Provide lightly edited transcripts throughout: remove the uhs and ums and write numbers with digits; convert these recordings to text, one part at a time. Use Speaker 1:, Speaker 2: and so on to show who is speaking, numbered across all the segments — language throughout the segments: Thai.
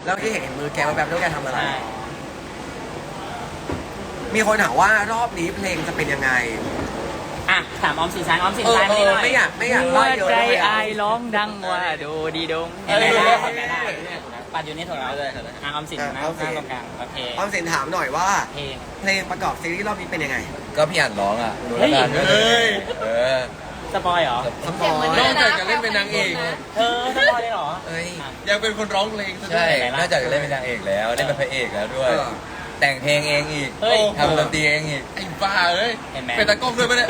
Speaker 1: แล้วที่เห็นมือแกแบบด้วยแกทำอะไรมีคนถามว่ารอบนี้เพลงจะเป็นยังไง
Speaker 2: อ่ะถามออมสินชายออมสินชายไม่ได้
Speaker 1: ไม่อยาก
Speaker 3: หัวใจอายร้องดังว่าดูดีดง
Speaker 2: ปัดอยู่นี่ถูกแล้วเลยออมสินนะตรงกลางโอเค
Speaker 1: ออมสินถามหน่อยว่า
Speaker 2: เพลง
Speaker 1: ประกอบซีรีส์รอบนี้เป็นยังไง
Speaker 4: ก็พี่อ่านร้องอ่ะดูแล้วกัน
Speaker 2: สปอยเหรอ
Speaker 1: สปอย
Speaker 5: นอกจากจะเล่นเป็นนางเอก
Speaker 2: สปอยเลยเหรอ
Speaker 5: ยังเป็นคนร้องเพลง
Speaker 4: ใช่นอกจากจะเล่นเป็นนางเอกแล้วเล่นเป็นพระเอกแล้วด้วยแต่งเพลงเองอีกทำดนตรีเองอีก
Speaker 5: ไอ้บ้าเอ้ยเป็นตากล้องด้วยปะเนี่ย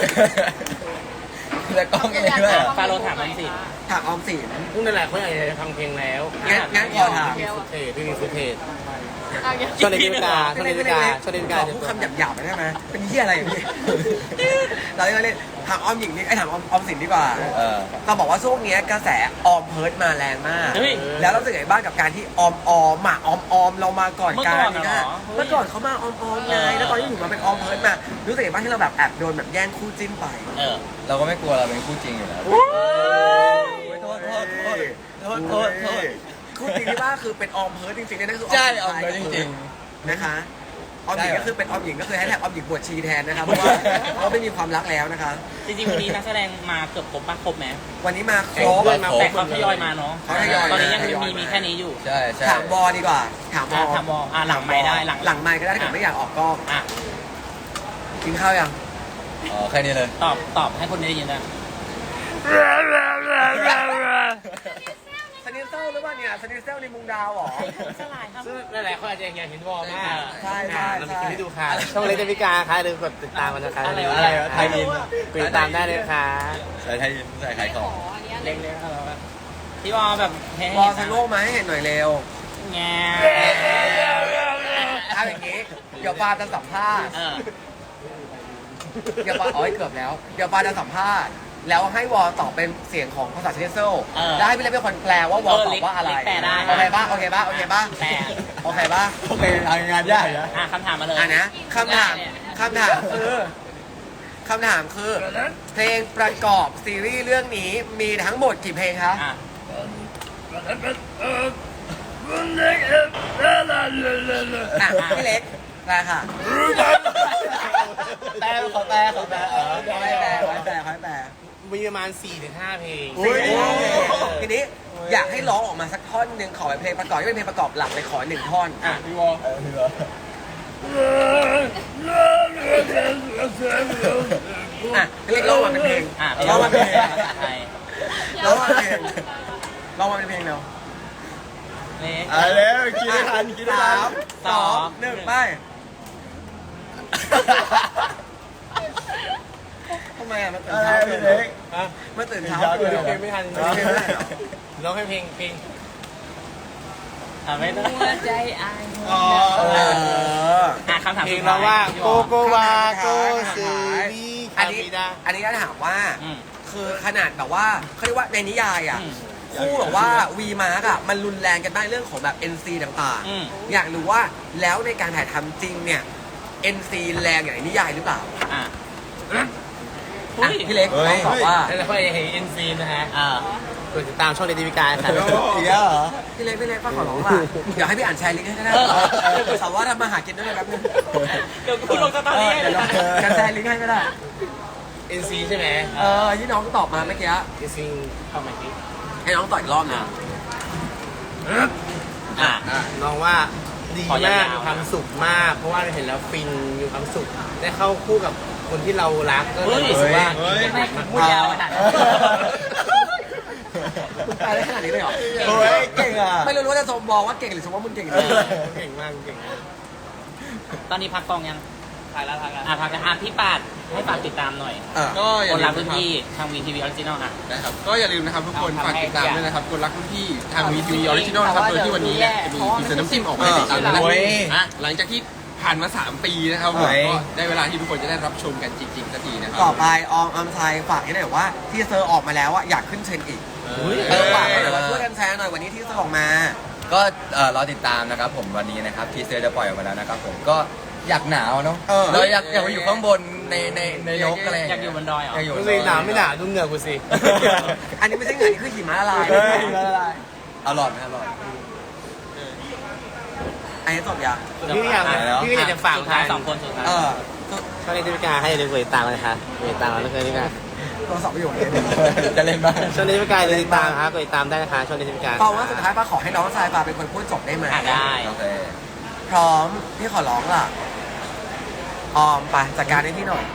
Speaker 4: ตากล้องเองด้วย
Speaker 2: ฟาโรถามออมสิน
Speaker 1: พวก
Speaker 6: นั่นแหละเขาอยากจะฟังเพลงแล้ว
Speaker 1: งั้นขอถาม
Speaker 6: พี่มีฟุตเทจชอบเล่นกาชอบเล่นกาชอบเล่นกา
Speaker 1: พูดคำหยาบๆไปได้ไหมเป็นเหี้ยอะไรอย่างนี้เราเล่นถามออมหญิงนี่ถามออมสินดีกว่าเราบอกว่าช่วงนี้กระแสออมเพิร์ดมาแรงมากแล้วเราสึกไงบ้างกับการที่ออมเรามาก่อนการนี่นะเมื่อก่อนเขามาออมไงแล้วตอนนี้ถึงมาเป็นออมเพิร์ดมารู้สึกไงบ้างที่เราแบบแอบโดนแบบแย่งคู่จิ้นไป
Speaker 4: เราก็ไม่กลัวเราเป็นคู่จริงอยู่แล้วโทษ
Speaker 1: คู่จริงที่ว่าคือเป็นออมเพิร์ดจริงๆนั่นคือ
Speaker 4: ใช่ออมเพิร์ดจริง
Speaker 1: ๆนะคะออมหญิงก็คือเป็นออมหญิงก็คือให้แท็กออมหญิงบวชชีแทนนะครับเพราะว่าเขาไม่มีความรักแล้วนะคะ
Speaker 2: จริงๆวันนี้นักแสดงมาเกือบครบไหม
Speaker 1: วันนี้มาครบ
Speaker 2: แต่เขาทยอยมาเนาะตอนนี้ยังมีแค่นี้อยู่
Speaker 4: ใช่
Speaker 1: ถามบอดีกว่าถามบ
Speaker 2: อหลังไม้ได้
Speaker 1: หลังไม้ก็ได้ถ้าเกิดไม่อยากออกกล้องกินข้าวยัง
Speaker 4: แค่นี้เลย
Speaker 2: ตอบให้คนได้ยินนะ
Speaker 1: สนิทเซลหรือว่าเนี่ยสนิทเซลในมุงดาวหรอ
Speaker 2: สลายครับ
Speaker 6: นั่นแหละเขาอาจจะอยากเห็นวอลมาก
Speaker 1: ใช่
Speaker 6: เรามีคลิปให้ดูค่ะช่องเล็กนาฬิกาค่ะหรือกดติดตามมันนะคะ
Speaker 4: อะไร
Speaker 6: ไทยอินติดตามได้เลยค่ะ
Speaker 4: ใส่ไทยอินใส่ขายของ
Speaker 2: เล็กๆอะไรแบบพี่วอลแบบ
Speaker 1: วอลทังโลกมาให้เห็นหน่อยเร็ว
Speaker 2: แง่
Speaker 1: ทำอย่างนี้เดี๋ยวปาจะสัมภาษณ์เดี๋ยวปาเกือบแล้วเดี๋ยวปาจะสัมภาษณ์แล้วให้วอลตอบเป็นเสียงของภาษาเชนเซลแล้วให้พี่เล็กเป็นคนแปลว่าวอลตอบว่าอะไรโอเคป่ะโอเคป่ะ
Speaker 4: งานยากนะ
Speaker 2: คำถามมาเลย
Speaker 1: นะคำถามคือเพลงประกอบซีรีส์เรื่องนี้มีทั้งหมดกี่เพลงคะพี่เล็กแปลค่ะ
Speaker 4: แปล
Speaker 6: มีประมาณ 4-5 เพลง
Speaker 1: ทีนี้อยากให้ร้องออกมาสักท่อนหนึ่งขอเป็นเพลงประกอบที่เป็นเพลงประกอบหลักเลยขอ1 ท่อน
Speaker 4: พี่วอ
Speaker 1: พี่เล็กร้องมาเป็นเพลงร้องมาเป็นเพลงเร็ว
Speaker 4: แล้วคิดได้ทัน
Speaker 1: 3 2 1ไปทำไมมันตื่นเช้าเลยมันตื่นเช้าเลย
Speaker 6: เพลงไม่ทันร้องให้เพลง
Speaker 2: ไม่ได้ใจอายคำถาม
Speaker 6: เพลงเราว่าโกโกวาโกสือวี
Speaker 1: อันนี้ก็ถามว่าคือขนาดแบบว่าเขาเรียกว่าในนิยายคู่แบบว่าวีมาร์กมันรุนแรงกันได้เรื่องของแบบ NC ต่างๆอยากรู้ว่าแล้วในการถ่ายทำจริงเนี่ย NC แรงอย่างนิยายหรือเปล่าพี่เล็กต้องตอบว่า
Speaker 6: แล้วก็ยังเห็น NC นะฮะกดติดตามช่องเดลิวิกาค่ะ
Speaker 1: พี่เล็กป้าขอร้องล่ะเดี๋ยวให้พี่อ่านแชร์ลิงก์ให้ก็ได้สาวว่าทำมาหากินด้วยนะครับ
Speaker 2: เดี๋ยวคุณลงสตอรี่
Speaker 1: กันแชร์ลิงก์ให้ก็ได้
Speaker 6: NC ใช่ไหม
Speaker 1: ที่น้องตอบมาเมื่อกี้
Speaker 6: NC เข้ามาที่
Speaker 1: ให้น้องต่ออีกรอบนึง
Speaker 6: น้องว่าดีมากมีความสุขมากเพราะว่าเห็นแล้วฟินมีความสุขได้เข้าคู่กับคนที่เรารักก็รู้สึกว่า
Speaker 2: ไม่พูดยาวขนาด
Speaker 1: ไปได้ขนาดนี้เลยเหรอ
Speaker 4: เก่งอ่ะ
Speaker 1: ไม่รู้ว่าจะชมบอกว่าเก่งหรือชมว่ามึงเก่ง
Speaker 6: เก่งมาก
Speaker 2: ตอนนี้พักกองยังพักแล้วพี่ปาดให้ฝากติดตามหน่อย
Speaker 5: ก็
Speaker 2: คนรักรุ่นพี่ทางVTV Original
Speaker 5: นะครับก็อย่าลืมนะครับทุกคนฝากติดตามด้วยนะครับคนรักรุ่นพี่ทาง VTV Original นะครับโดยที่วันนี้จะมีอินเตอร์น้ำจิ้มออกมาติดตามนะหลังจากที่ผ่านมา3 ปีนะครับก็ได้เวลาที่ทุกคนจะได้รับชมกันจริงๆสักทีนะครับ
Speaker 1: ต่อไปออมไทยฝากให้หน่อยว่าที่เซอร์ออกมาแล้วอยากขึ้นเทรนด์อีกฝากหน่อยว่าช่วยกันแชร์หน่อยวันนี้ที่เซอร์ออกมา
Speaker 4: ก็รอติดตามนะครับผมวันนี้นะครับทีเซอร์จะปล่อยออกมาแล้วนะครับผมก็อยากหนาวเนาะเราอยากไปอยู่ข้างบนในนกอะไร
Speaker 2: อยากอยู่บนดอยเหรอ
Speaker 6: ดูสิหนาวไม่หนาวดูเหงื่อกูสิ
Speaker 1: อันนี้ไม่ใช่เหงื่อนี่คือหิมะละลาย
Speaker 4: อร่อยไหมอร่อย
Speaker 1: อันนี้จบยัง
Speaker 6: พี่ก็อยากจะฝาก
Speaker 2: สุดท้าย2 คนสุดท้าย
Speaker 6: ช่องนี้พิการให้อย่าลืมกดติดตามเลยค่ะกดติดตามแล้วก็นี่ค่ะ
Speaker 1: โทรศัพท์ประโยชน์เลย
Speaker 4: จะเล่นบ้าง
Speaker 6: ช่องนี้พิการเลยติดตามครับกดติดตามได้นะคะช่องนี้พิการ
Speaker 1: ปาว่าสุดท้ายปาขอให้น้องชายปาเป็นคนพูดจบได้ไหม
Speaker 2: ได้
Speaker 4: โอเค
Speaker 1: พร้อมพี่ขอร้องล่ะออมไปจัดการให้พี่หน่อย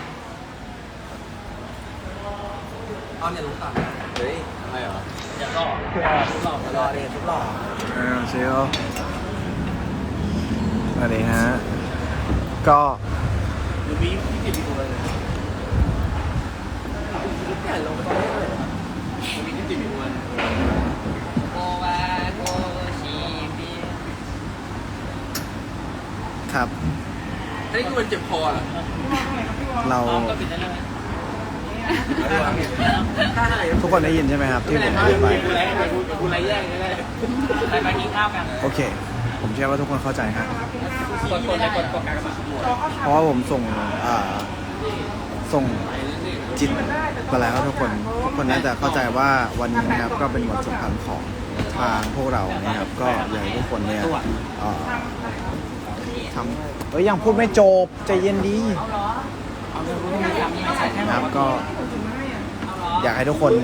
Speaker 1: ออมอย่าลุกก่อนนะ
Speaker 4: เฮ้ยทำไมเหรอ
Speaker 2: เดี๋ยวก็
Speaker 1: รอเรียนทุกหล่อ
Speaker 7: เชลสวัสดีฮะ ก็
Speaker 2: โกวาโกชีบี
Speaker 7: ครับ
Speaker 5: อันนี้คือมันเจ็บคอเหรอ
Speaker 7: เรา
Speaker 2: พร้อมก็ปิดได้เลย
Speaker 7: ทุกคนได้ยินใช่ไหมครับ ที่ผมพูดไป
Speaker 2: ไปกินข้าวกัน
Speaker 7: โอเค ผมเชื่อว่าทุกคนเข้าใจฮะ
Speaker 2: กดเลยกดกากบาท
Speaker 7: เพราะว่าผมส่งจิตไปแล้วทุกคนน่าจะเข้าใจว่าวันนี้นะครับก็เป็นวันสำคัญของทางพวกเรานะครับ ก็อยากให้ทุกคนเนี่ยทำยังพูดไม่จบใจเย็นดีนะครับก็อยากให้ทุกคน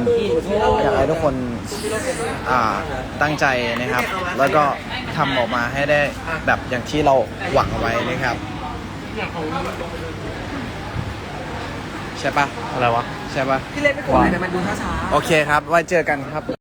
Speaker 7: ตั้งใจนะครับ แล้วก็ทำออกมาให้ได้แบบอย่างที่เราหวังเอาไว้นะครับใช่ปะอะไรวะใช่ปะ
Speaker 1: พี่เล่นไม่กดอะไรแต่มันดูช้า
Speaker 7: โอเคครับ ไว้เจอกันครับ